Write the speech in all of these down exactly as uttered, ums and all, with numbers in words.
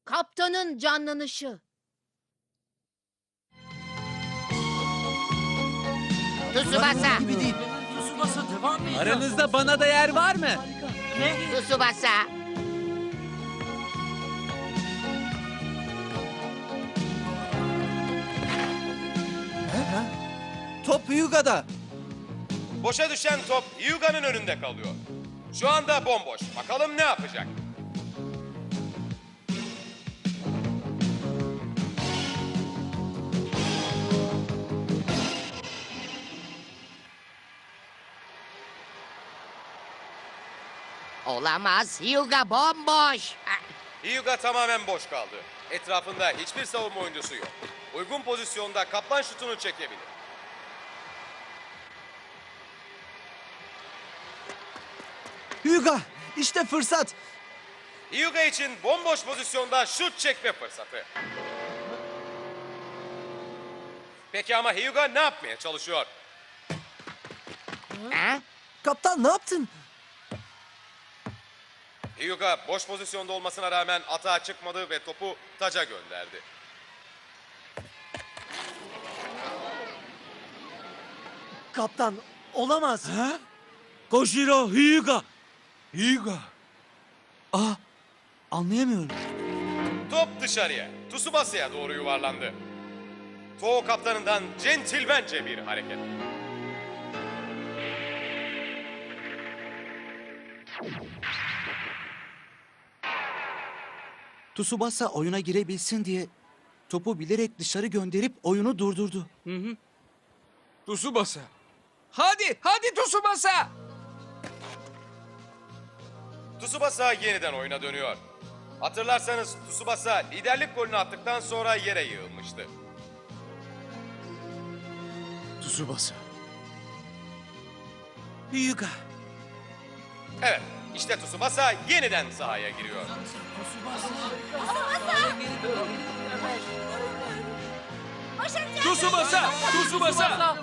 Kaptanın canlanışı. Tsubasa. Gibi değil. Tsubasa devam mı ediyor? Aranızda bana da yer var mı? Ne? Tsubasa. Top Hyuga'da. Boşa düşen top Hyuga'nın önünde kalıyor. Şu anda bomboş. Bakalım ne yapacak? Olamaz. Hyuga bomboş. Ah, Hyuga tamamen boş kaldı. Etrafında hiçbir savunma oyuncusu yok. Uygun pozisyonda kaplan şutunu çekebilir. Hyuga. İşte fırsat. Hyuga için bomboş pozisyonda şut çekme fırsatı. Peki ama Hyuga ne yapmaya çalışıyor? Ha? Kaptan ne yaptın? Hyuga boş pozisyonda olmasına rağmen atağa çıkmadı ve topu taca gönderdi. Kaptan olamaz. Ha? Kojiro Hyuga. Hyuga. Aa, anlayamıyorum. Top dışarıya, Tsubasa'ya doğru yuvarlandı. Toho kaptanından centilmence bir hareket. Tsubasa oyuna girebilsin diye topu bilerek dışarı gönderip oyunu durdurdu. Tsubasa. Hadi, hadi Tsubasa. Tsubasa yeniden oyuna dönüyor. Hatırlarsanız Tsubasa liderlik golünü attıktan sonra yere yığılmıştı. Tsubasa. Hyuga. Evet, işte Tsubasa yeniden sahaya giriyor. Tsubasa, Tsubasa.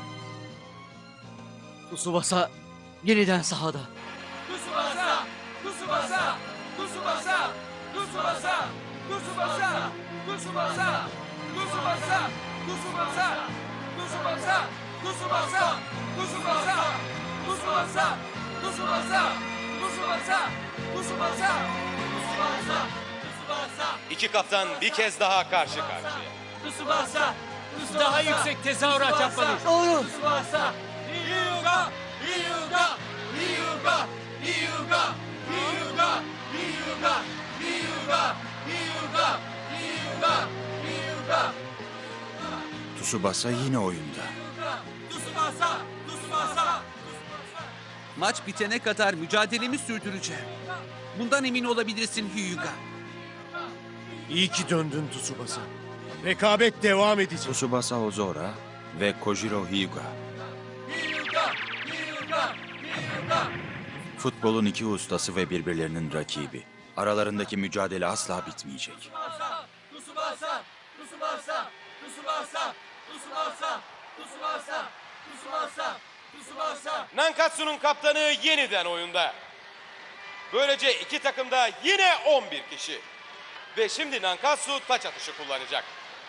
Tsubasa yeniden sahada. Tsubasa, Tsubasa, Tsubasa, Tsubasa, Tsubasa, Tsubasa, Tsubasa, Tsubasa, Tsubasa, Tsubasa, Tsubasa, Tsubasa, Tsubasa, Tsubasa, Tsubasa, Tsubasa, İki kaptan bir kez daha karşı karşıya. Tsubasa. Daha yüksek tezahürat yapmalıyız. Doğru. Tsubasa. Hyuga. Hyuga. Hyuga. Hyuga. Hyuga. Hyuga. Hyuga. Hyuga. Hyuga. Hyuga. Tsubasa yine oyunda. Tsubasa. Tsubasa. Maç bitene kadar mücadelemi sürdüreceğim. Bundan emin olabilirsin Hyuga. İyi ki döndün Tsubasa. Rekabet devam edecek. Tsubasa Ozora ve Kojiro Hyuga. Hyuga. Hyuga. Hyuga. Futbolun iki ustası ve birbirlerinin rakibi. Aralarındaki mücadele asla bitmeyecek. Tsubasa. Tsubasa. Tsubasa. Tsubasa. Tsubasa. Tsubasa. Tsubasa. Tsubasa. Nankatsu'nun kaptanı yeniden oyunda. Böylece iki takımda yine on bir kişi. Ve şimdi Nankatsu taç atışı kullanacak.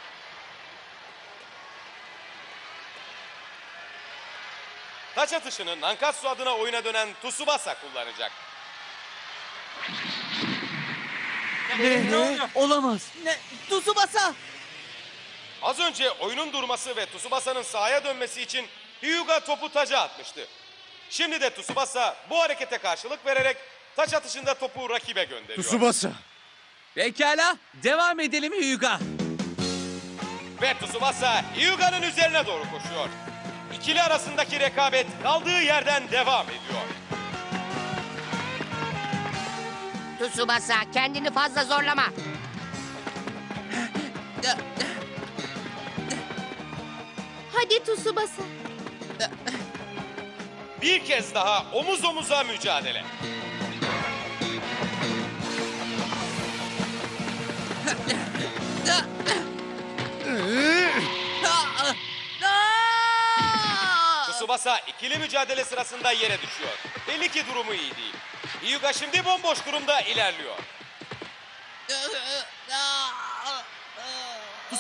Taç atışını Nankatsu adına oyuna dönen Tsubasa kullanacak. Ne? Ne? Olamaz. Ne? Tsubasa. Az önce oyunun durması ve Tsubasa'nın sahaya dönmesi için Hyuga topu taca atmıştı. Şimdi de Tsubasa bu harekete karşılık vererek taç atışında topu rakibe gönderiyor. Tsubasa. Pekala, devam edelim Hyuga. Ve Tsubasa Hyuga'nın üzerine doğru koşuyor. İkili arasındaki rekabet kaldığı yerden devam ediyor. Tsubasa kendini fazla zorlama. Hadi Tsubasa. Bir kez daha omuz omuza mücadele. Tsubasa ikili mücadele sırasında yere düşüyor. Belli ki durumu iyi değil. Hyuga şimdi bomboş durumda ilerliyor.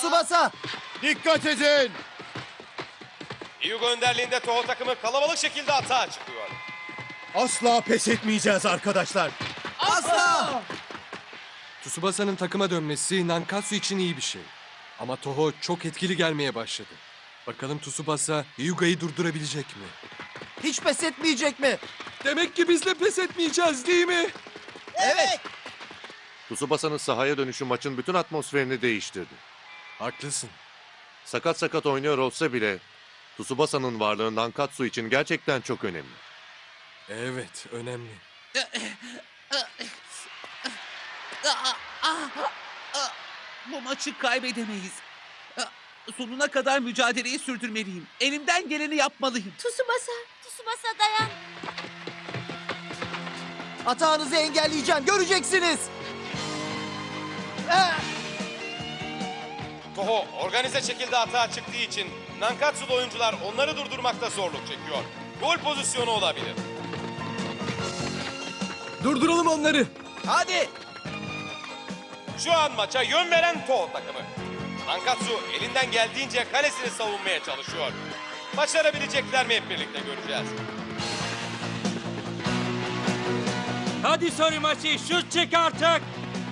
Tsubasa! Dikkat edin! Hyuga önderliğinde Toho takımı kalabalık şekilde atağa çıkıyor. Asla pes etmeyeceğiz arkadaşlar. Asla! Tsubasa'nın takıma dönmesi Nankatsu için iyi bir şey. Ama Toho çok etkili gelmeye başladı. Bakalım Tsubasa Hyuga'yı durdurabilecek mi? Hiç pes etmeyecek mi? Demek ki biz de pes etmeyeceğiz değil mi? Evet! Tsubasa'nın sahaya dönüşü maçın bütün atmosferini değiştirdi. Haklısın. Sakat sakat oynuyor olsa bile Tsubasa'nın varlığı Nankatsu için gerçekten çok önemli. Evet, önemli. Bu maçı kaybedemeyiz. Sonuna kadar mücadeleyi sürdürmeliyim. Elimden geleni yapmalıyım. Tsubasa. Tsubasa dayan. Atağınızı engelleyeceğim, göreceksiniz! Toho organize şekilde atağa çıktığı için Nankatsu'lu oyuncular onları durdurmakta zorluk çekiyor. Gol pozisyonu olabilir. Durduralım onları. Hadi! Şu an maça yön veren Toho takımı. Nankatsu elinden geldiğince kalesini savunmaya çalışıyor. Başarabilecekler mi hep birlikte göreceğiz. Hadi Sorimachi, şut çek artık!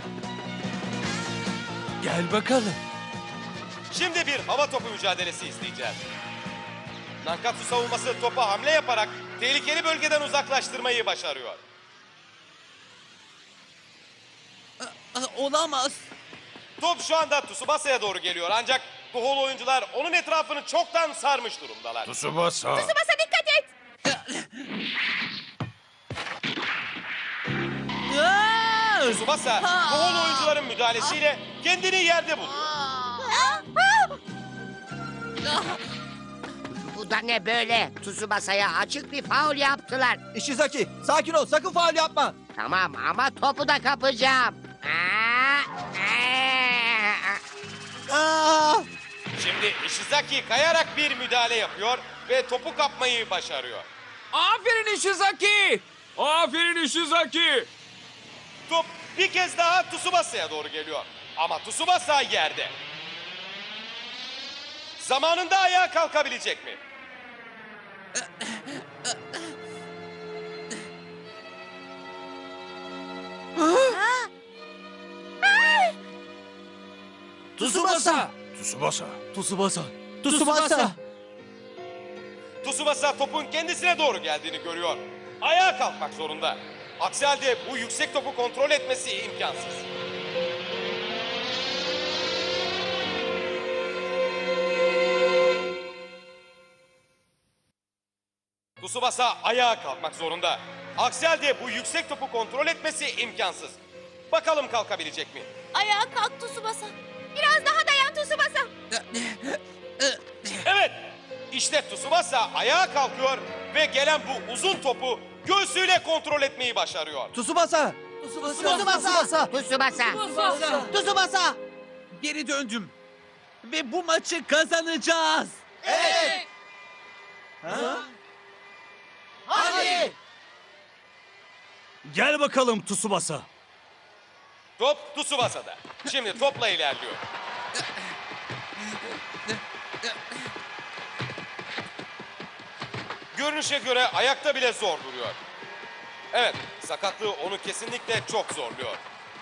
Gel bakalım. Şimdi bir hava topu mücadelesi izleyeceğiz. Nankatsu savunması topa hamle yaparak tehlikeli bölgeden uzaklaştırmayı başarıyor. Olamaz. Top şu anda Tsubasa'ya doğru geliyor ancak Toholu oyuncular onun etrafını çoktan sarmış durumdalar. Tsubasa! Tsubasa dikkat et. Tsubasa Toholu oyuncuların müdahalesiyle kendini yerde buluyor. Bu da ne böyle? Tsubasa'ya açık bir faul yaptılar. Ishizaki, sakin ol, sakın faul yapma! Tamam ama topu da kapacağım. Aa, aa. Aa! Şimdi Ishizaki kayarak bir müdahale yapıyor ve topu kapmayı başarıyor. Aferin Ishizaki! Aferin Ishizaki! Top bir kez daha Tsubasa'ya doğru geliyor. Ama Tsubasa yerde. Zamanında ayağa kalkabilecek mi? Tsubasa! Tsubasa! Tsubasa. Tsubasa! Tsubasa topun kendisine doğru geldiğini görüyor. Ayağa kalkmak zorunda. Aksi halde bu yüksek topu kontrol etmesi imkansız. Tsubasa ayağa kalkmak zorunda. Aksi halde bu yüksek topu kontrol etmesi imkansız. Bakalım kalkabilecek mi? Ayağa kalk Tsubasa. Biraz daha dayan Tsubasa. Evet, işte Tsubasa ayağa kalkıyor ve gelen bu uzun topu göğsüyle kontrol etmeyi başarıyor. Tsubasa! Tsubasa! Tsubasa! Tsubasa. Tsubasa! Geri döndüm. Ve bu maçı kazanacağız. Evet! Hadi! Gel bakalım Tsubasa! Top Tsubasa'da. Şimdi topla ilerliyor. Görünüşe göre ayakta bile zor duruyor. Evet, sakatlığı onu kesinlikle çok zorluyor.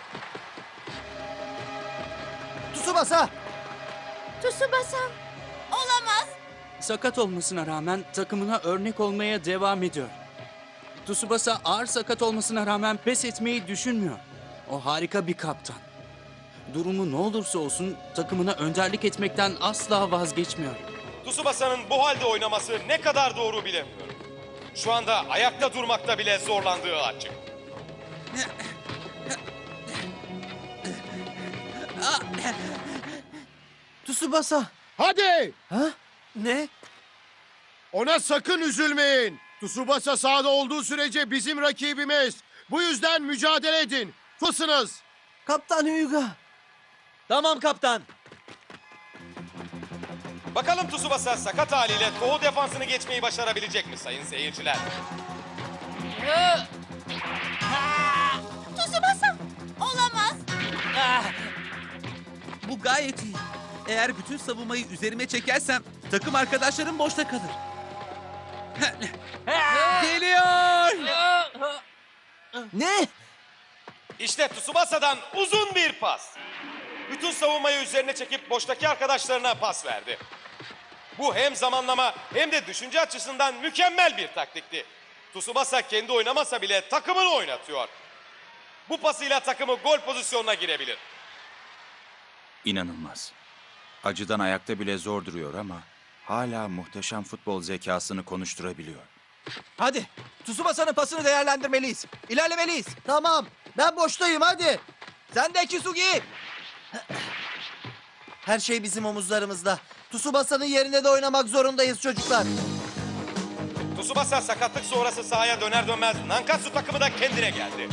Tsubasa! Tsubasa. Olamaz. Sakat olmasına rağmen takımına örnek olmaya devam ediyor. Tsubasa ağır sakat olmasına rağmen pes etmeyi düşünmüyor. O harika bir kaptan. Durumu ne olursa olsun takımına önderlik etmekten asla vazgeçmiyor. Tsubasa'nın bu halde oynaması ne kadar doğru bilemiyorum. Şu anda ayakta durmakta bile zorlandığı açık. Tsubasa! Hadi! Ha? Ne? Ona sakın üzülmeyin. Tsubasa sahada olduğu sürece bizim rakibimiz. Bu yüzden mücadele edin. Tutsunuz. Kaptan Hyuga! Tamam kaptan. Bakalım Tsubasa sakat haliyle Toho defansını geçmeyi başarabilecek mi sayın seyirciler? Tsubasa. Olamaz. Bu gayet iyi. Eğer bütün savunmayı üzerime çekersem takım arkadaşlarım boşta kalır. Geliyor! Ne? İşte Tsubasa'dan uzun bir pas. Bütün savunmayı üzerine çekip boştaki arkadaşlarına pas verdi. Bu hem zamanlama hem de düşünce açısından mükemmel bir taktikti. Tsubasa kendi oynamasa bile takımını oynatıyor. Bu pasıyla takımı gol pozisyonuna girebilir. İnanılmaz. Acıdan ayakta bile zor duruyor ama hala muhteşem futbol zekasını konuşturabiliyor. Hadi. Tsubasa'nın pasını değerlendirmeliyiz. İlerlemeliyiz. Tamam. Ben boştayım hadi. Sen de Kisugi. Her şey bizim omuzlarımızda. Tsubasa'nın yerine de oynamak zorundayız çocuklar. Tsubasa sakatlık sonrası sahaya döner dönmez Nankatsu takımı da kendine geldi.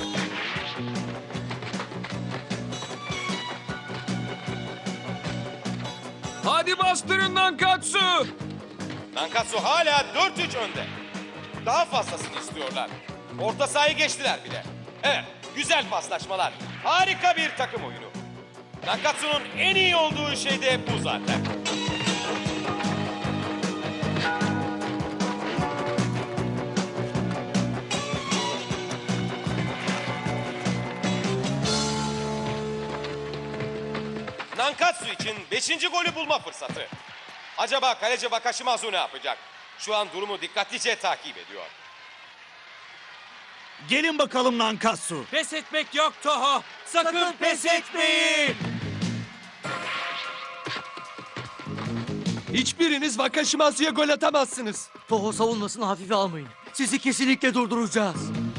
Hadi bastırın Nankatsu! Nankatsu hala dört üç önde. Daha fazlasını istiyorlar. Orta sahayı geçtiler bile. Evet, güzel paslaşmalar. Harika bir takım oyunu. Nankatsu'nun en iyi olduğu şey de bu zaten. Nankatsu için beşinci golü bulma fırsatı. Acaba kaleci Wakashimazu ne yapacak? Şu an durumu dikkatlice takip ediyor. Gelin bakalım Nankatsu. Pes etmek yok Toho. Sakın, pes etmeyin. Hiçbiriniz Wakashimazu'ya gol atamazsınız. Toho savunmasını hafife almayın. Sizi kesinlikle durduracağız.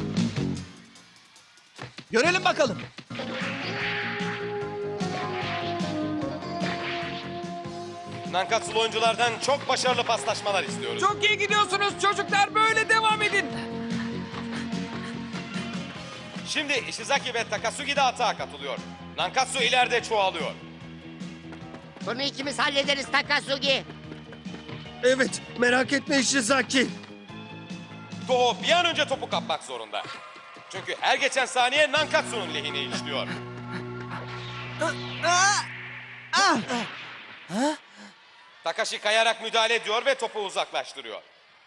Görelim bakalım. Nankatsu'lu oyunculardan çok başarılı paslaşmalar istiyoruz. Çok iyi gidiyorsunuz çocuklar. Böyle devam edin. Şimdi Ishizaki ve Takasugi de atağa katılıyor. Nankatsu ileride çoğalıyor. Bunu ikimiz hallederiz Takasugi. Evet. Merak etme Ishizaki. Toho bir an önce topu kapmak zorunda. Çünkü her geçen saniye Nankatsu'nun lehine işliyor. Takashi kayarak müdahale ediyor ve topu uzaklaştırıyor.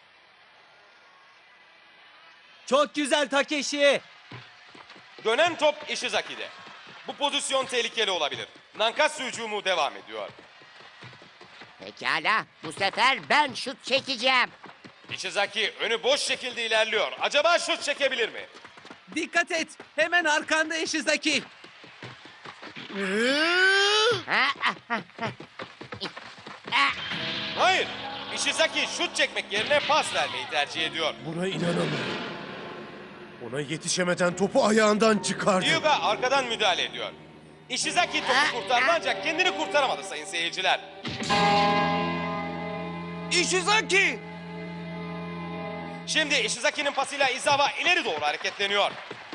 Çok güzel Takeshi. Dönen top Ishizaki'de. Bu pozisyon tehlikeli olabilir. Nankatsu hücumu devam ediyor. Pekala, bu sefer ben şut çekeceğim. Ishizaki önü boş şekilde ilerliyor. Acaba şut çekebilir mi? Dikkat et! Hemen arkanda Ishizaki. Ha, ah, ah, ah. Ah, Hayır. Ishizaki şut çekmek yerine pas vermeyi tercih ediyor. Buna inanamıyorum. Ona yetişemeden topu ayağından çıkardı. Hyuga arkadan müdahale ediyor. Ishizaki topu kurtardı ancak kendini kurtaramadı sayın seyirciler. Ishizaki. Şimdi Ishizaki'nin pasıyla Izawa ileri doğru hareketleniyor.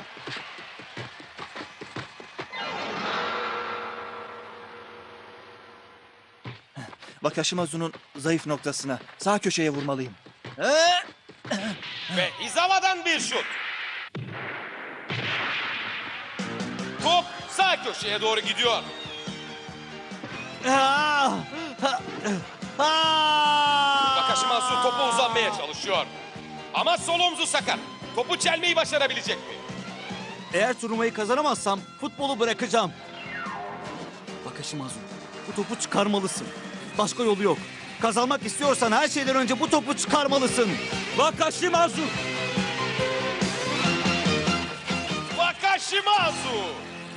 Wakashimazu'nun zayıf noktasına, sağ köşeye vurmalıyım. Ve Izawa'dan bir şut. Top sağ köşeye doğru gidiyor. Wakashimazu topu uzanmaya çalışıyor. Ama sol omzu sakat. Topu çelmeyi başarabilecek mi? Eğer turnuvayı kazanamazsam futbolu bırakacağım. Wakashimazu, bu topu çıkarmalısın. Başka yolu yok. Kazanmak istiyorsan her şeyden önce bu topu çıkarmalısın. Wakashimazu! Wakashimazu!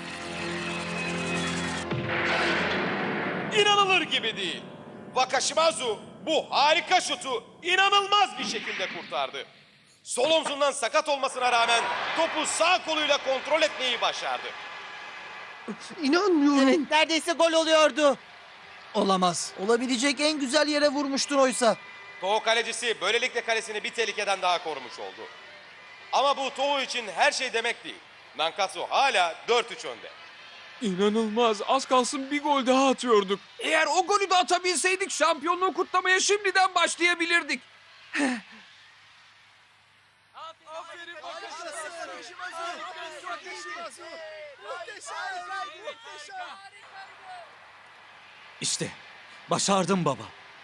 İnanılır gibi değil. Wakashimazu bu harika şutu inanılmaz bir şekilde kurtardı. Sol omzundan sakat olmasına rağmen topu sağ koluyla kontrol etmeyi başardı. İnanmıyorum. Evet, neredeyse gol oluyordu. Olamaz. Olabilecek en güzel yere vurmuştun oysa. Toho kalecisi böylelikle kalesini bir tehlikeden daha korumuş oldu. Ama bu Toho için her şey demek değil. Nankatsu hala dört üç önde. İnanılmaz. Az kalsın bir gol daha atıyorduk. Eğer o golü de atabilseydik şampiyonluğu kutlamaya şimdiden başlayabilirdik. İşte Başardım baba.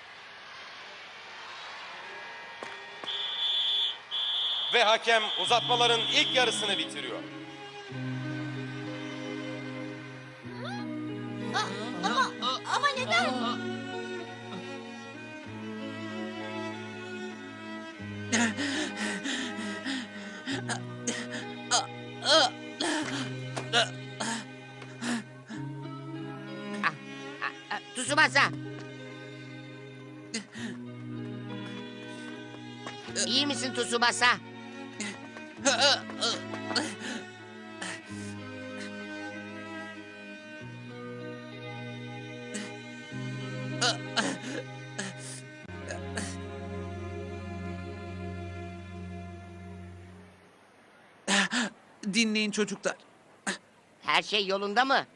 Ve hakem uzatmaların ilk yarısını bitiriyor. Ama, ama neden? Ah, ah, Tsubasa. İyi misin Tsubasa? Dinleyin çocuklar. Her şey yolunda mı?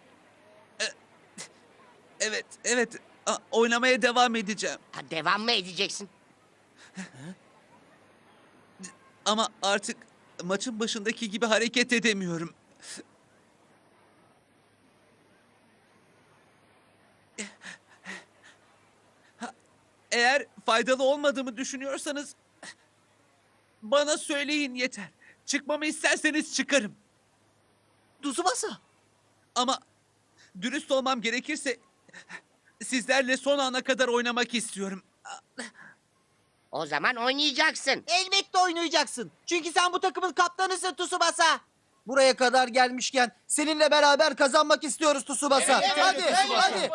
Evet, evet. A- Oynamaya devam edeceğim. Ha, devam mı edeceksin? Ama artık maçın başındaki gibi hareket edemiyorum. Ha, Eğer faydalı olmadığımı düşünüyorsanız bana söyleyin yeter. Çıkmamı isterseniz çıkarım. Tsubasa. Ama dürüst olmam gerekirse sizlerle son ana kadar oynamak istiyorum. O zaman oynayacaksın. Elbette oynayacaksın. Çünkü sen bu takımın kaptanısın Tsubasa. Buraya kadar gelmişken seninle beraber kazanmak istiyoruz Tsubasa. hadi, hadi.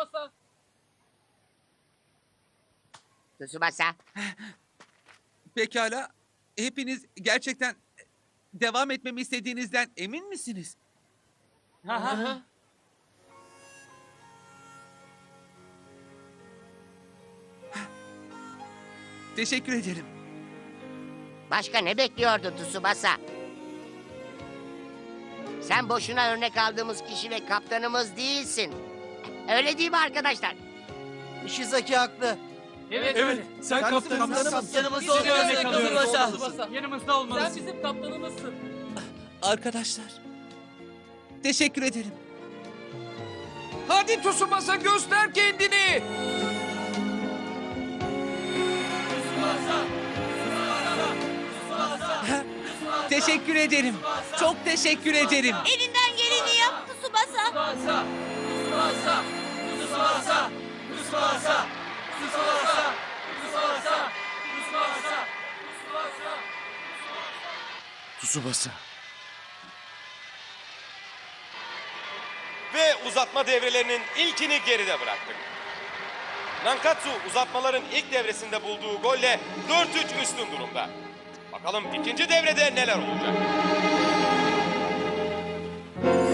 Tsubasa. Pekala. Hepiniz gerçekten devam etmemi istediğinizden emin misiniz? Teşekkür ederim. Başka ne bekliyordun Tsubasa? Sen boşuna örnek aldığımız kişi ve kaptanımız değilsin. Öyle değil mi arkadaşlar? Ishizaki haklı. Evet, evet. Sen kaptanımızsın. Kaptanımız Seni örnek alıyoruz. Tsubasa. Yanımızda olmalısın. Sen bizim kaptanımızsın. Arkadaşlar. Teşekkür ederim. Hadi Tsubasa göster kendini. Teşekkür ederim. Çok teşekkür ederim. Elinden geleni yap Tsubasa. Tsubasa. Tsubasa. Tsubasa. Tsubasa. Tsubasa. Tsubasa. Tsubasa. Tsubasa. Ve uzatma devrelerinin ilkini geride bıraktık. Nankatsu uzatmaların ilk devresinde bulduğu golle dört üç üstün durumda. Bakalım ikinci devrede neler olacak?